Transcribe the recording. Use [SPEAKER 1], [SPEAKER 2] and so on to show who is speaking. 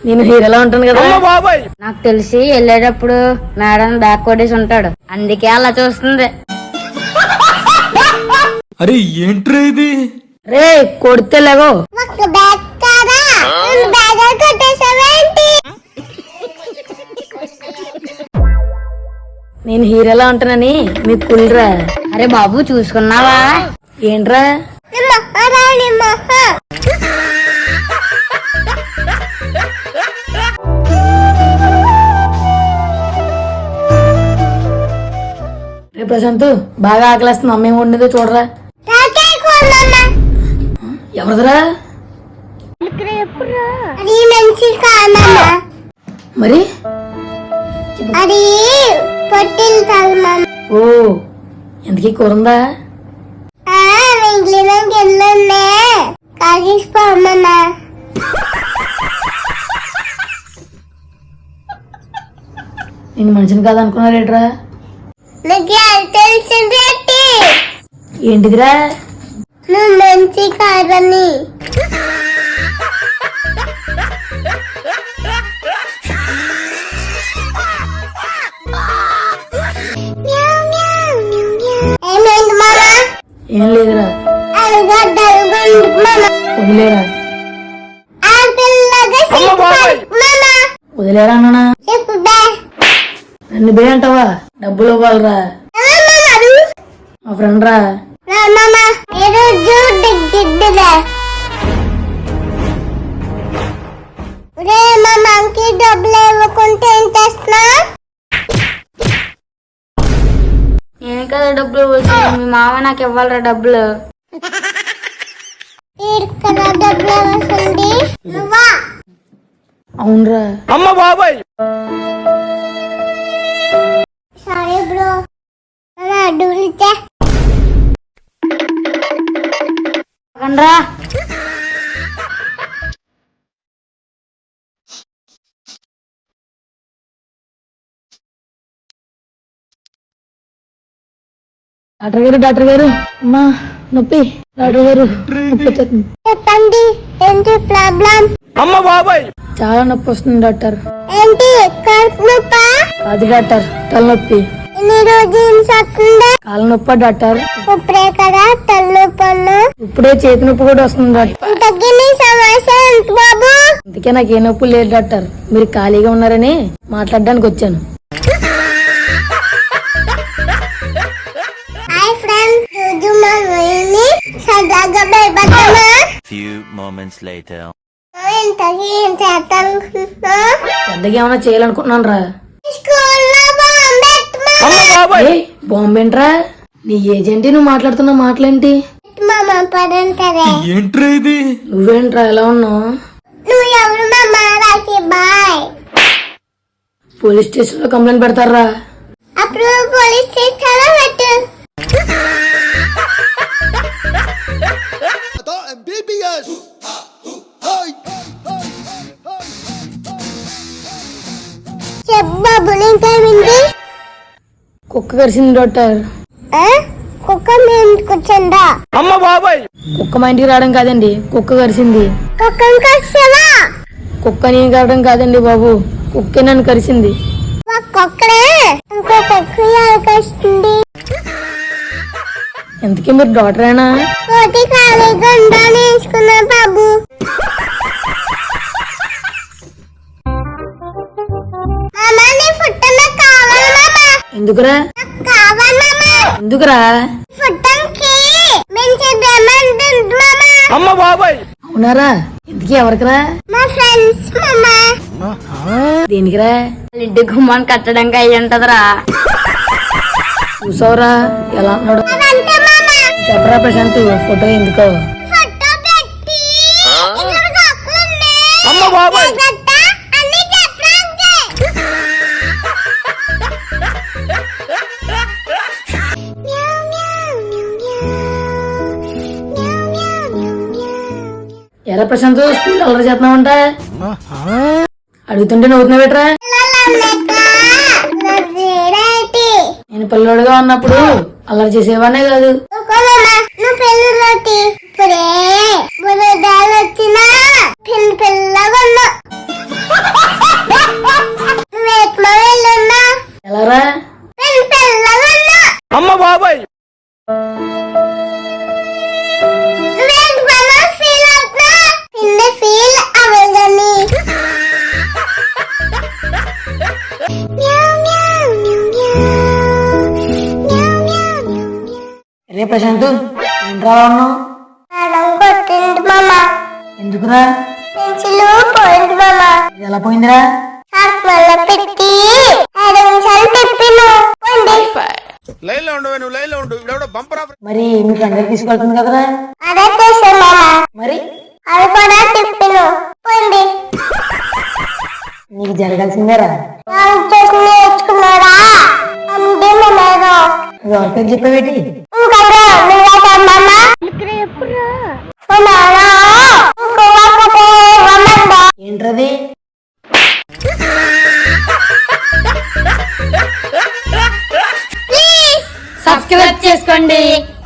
[SPEAKER 1] నేను హీరోలా ఉంటాను కదా.
[SPEAKER 2] నాకు తెలిసి వెళ్ళేటప్పుడు మేడం బ్యాక్ కొట్టేసి ఉంటాడు, అందుకే అలా చూస్తుంది.
[SPEAKER 3] అరే ఏంట్రా ఇది?
[SPEAKER 1] రే కొడితే లేవో. నేను హీరోలా ఉంటానని మీకు కుళ్ళరా?
[SPEAKER 2] అరే బాబు చూసుకున్నావా?
[SPEAKER 1] ఏంట్రా రే ప్రశాంత్, బాగా ఆకలేస్తుంది, అమ్మ ఏమి వండిందో చూడరా. ఎవరిదిరా మరి? ఓ ఎంతకీ కూరందా? నేను మనిషిని కాదనుకున్నారేట్రా? ఏంటిదిరా?
[SPEAKER 4] నువ్వు మంచి కాదని.
[SPEAKER 1] ఏం లేదురా, వదిలేరా. వదిలేరా అన్నా? నన్ను బే అంటావా? డబ్బులు ఇవ్వాలరా. మా ఫ్రెండ్ రా.
[SPEAKER 4] డబ్బులు ఇవ్వకుంటే ఏం చేస్తున్నా?
[SPEAKER 2] నేను కదా డబ్బులు ఇవ్వాల్సింది, మీ మామ నాకు ఇవ్వాలరా డబ్బులు.
[SPEAKER 4] డబ్బులు ఇవ్వాల్సింది నువ్వా?
[SPEAKER 1] అవునరా.
[SPEAKER 3] అమ్మ బాబాయ్
[SPEAKER 4] సారీ బ్రో, డబ్బులు ఇచ్చా.
[SPEAKER 2] రా
[SPEAKER 1] డాక్టర్ గారు అమ్మా నొప్పి. డాక్టర్ గారు
[SPEAKER 4] చెప్పండి, ఏంటి ప్రాబ్లం?
[SPEAKER 3] అమ్మ బాబాయ్
[SPEAKER 1] చాలా నొప్పి వస్తుంది డాక్టర్.
[SPEAKER 4] ఏంటి కడుపు నొప్పా?
[SPEAKER 1] కాదు డాక్టర్, తలనొప్పి.
[SPEAKER 4] ఎన్ని రోజులు వస్తుందా?
[SPEAKER 1] కాళ్ళ నొప్పి డాక్టర్.
[SPEAKER 4] ఇప్పుడే కదా తలనొప్పి.
[SPEAKER 1] ఇప్పుడే చేతి నొప్పి కూడా వస్తుంది డాక్టర్.
[SPEAKER 4] ఇంతకీ నీ సమస్య ఏంటి బాబు?
[SPEAKER 1] అందుకే నాకు ఏ నొప్పి లేదు డాక్టర్, మీరు ఖాళీగా ఉన్నారని మాట్లాడడానికి వచ్చాను.
[SPEAKER 4] హాయ్ ఫ్రెండ్స్, రోజు మా ఊరిని సరదాగా భయపడతామా?
[SPEAKER 5] Few moments later.
[SPEAKER 4] ఇంతకీ ఏం చేస్తానుకుంటున్నా?
[SPEAKER 1] పెద్దగా ఏమైనా చేయాలనుకుంటున్నాను రా.
[SPEAKER 4] స్కూల్లో బాంబెట్టమా?
[SPEAKER 1] బాంబేంట్రా? నీ ఏజెంటి నువ్వు మాట్లాడుతున్న మాటలేంటి?
[SPEAKER 4] మామ పడంటారే.
[SPEAKER 3] ఏంట్రా ఇది?
[SPEAKER 1] నువ్వేంట్రా ఎలా ఉన్నావు?
[SPEAKER 4] నువ్వు ఎవరు మామ? రాకి బాయ్.
[SPEAKER 1] పోలీస్ స్టేషన్ లో కంప్లైంట్ పెడతారా?
[SPEAKER 4] అప్పుడు పోలీస్ స్టేషన్ లో పెట్టు. బాబు నీకేమింది?
[SPEAKER 1] కుక్క కరిసింది డాక్టర్.
[SPEAKER 4] కుక్క మీ ఇంటికి వచ్చిందా?
[SPEAKER 3] అమ్మ బాబాయ్
[SPEAKER 1] కుక్క మా ఇంటికి రావడం కాదండి, కుక్క కరిసింది.
[SPEAKER 4] కుక్కను కరిసావా?
[SPEAKER 1] కుక్క నేను కరవడం కాదండి బాబు, కుక్కే నన్ను కరిసింది.
[SPEAKER 4] కుక్కడే ఇంకో కుక్క కరిస్తుంది.
[SPEAKER 1] ఎందుకే మీరు డాక్టరేనా?
[SPEAKER 4] కోటి ఖాళీగా ఉందా నేర్చుకున్నా బాబు. మామా నీ ఫుడ్ నాకు కావాలి మామా.
[SPEAKER 1] ఎందుకురా?
[SPEAKER 4] కావాలి మామా.
[SPEAKER 1] ఎందుకురా?
[SPEAKER 4] ఫుడ్కి మంచి డిమాండ్ ఉంది మామా.
[SPEAKER 3] అమ్మ బాబాయ్
[SPEAKER 1] అవునారా? ఎందుకు ఎవరికిరా?
[SPEAKER 4] మా ఫ్రెండ్స్ మామా.
[SPEAKER 1] దేనికిరా?
[SPEAKER 2] వాళ్ళ ఇంటి గుమ్మాన్ని కట్టడానికి అయ్యి ఉంటదిరా.
[SPEAKER 1] చూసావురా ఎలా అన్నాడు?
[SPEAKER 4] అదంతే మామా.
[SPEAKER 1] చెప్పరా ప్రశాంత్, ఫోటో ఎందుకో?
[SPEAKER 4] ఫోటో పెట్టి ఇక్కడ కుక్కలు ఉన్నాయి.
[SPEAKER 3] అమ్మ బాబాయ్
[SPEAKER 4] జాగ్రత్త, అన్ని చెప్పడానికి.
[SPEAKER 1] ఎలా ప్రశాంత్, స్కూల్ అల్లరి చేస్తున్నావంట? అడుగుతుంటే నవ్వుతున్నావేట్రా? నేను పిల్లోడుగా ఉన్నప్పుడు అల్లరి చేసేవానే కాదు.
[SPEAKER 4] నువ్వు పెళ్ళి ఇప్పుడే వచ్చినా పిల్లగా ఉన్నా.
[SPEAKER 1] ప్రశాంత్ ఏంట్రా అన్నావు?
[SPEAKER 4] మేడం కొట్టింది మామ.
[SPEAKER 1] ఎందుకురా?
[SPEAKER 4] పెన్సిల్ పోయింది మామ.
[SPEAKER 1] ఇది ఎలా పోయిందిరా?
[SPEAKER 4] షార్ప్ వల్ల పెట్టి 5 నిమిషాలు తిప్పిను పోయింది.
[SPEAKER 3] లైన్ లో ఉండు, నువ్వు లైన్ లో ఉండు. ఇవిడెవడో బంపర్ ఆఫర్.
[SPEAKER 1] మరి మీ ఫ్రెండ్ తీసుకెళ్తుంది కదరా?
[SPEAKER 4] అదే చేసే మామ.
[SPEAKER 1] మరి
[SPEAKER 4] అవి కూడా తిప్పిను పోయింది.
[SPEAKER 1] నీకు జరగాల్సిందేరా.
[SPEAKER 4] వాళ్ళు చేసి నేర్చుకున్నారా అంతే మేడం.
[SPEAKER 1] ఎవరితో చెప్పేవేటి?
[SPEAKER 4] ఇంకా నువ్వే మామ.
[SPEAKER 1] ఏంట్రది?
[SPEAKER 2] సబ్స్క్రైబ్ చేసుకోండి.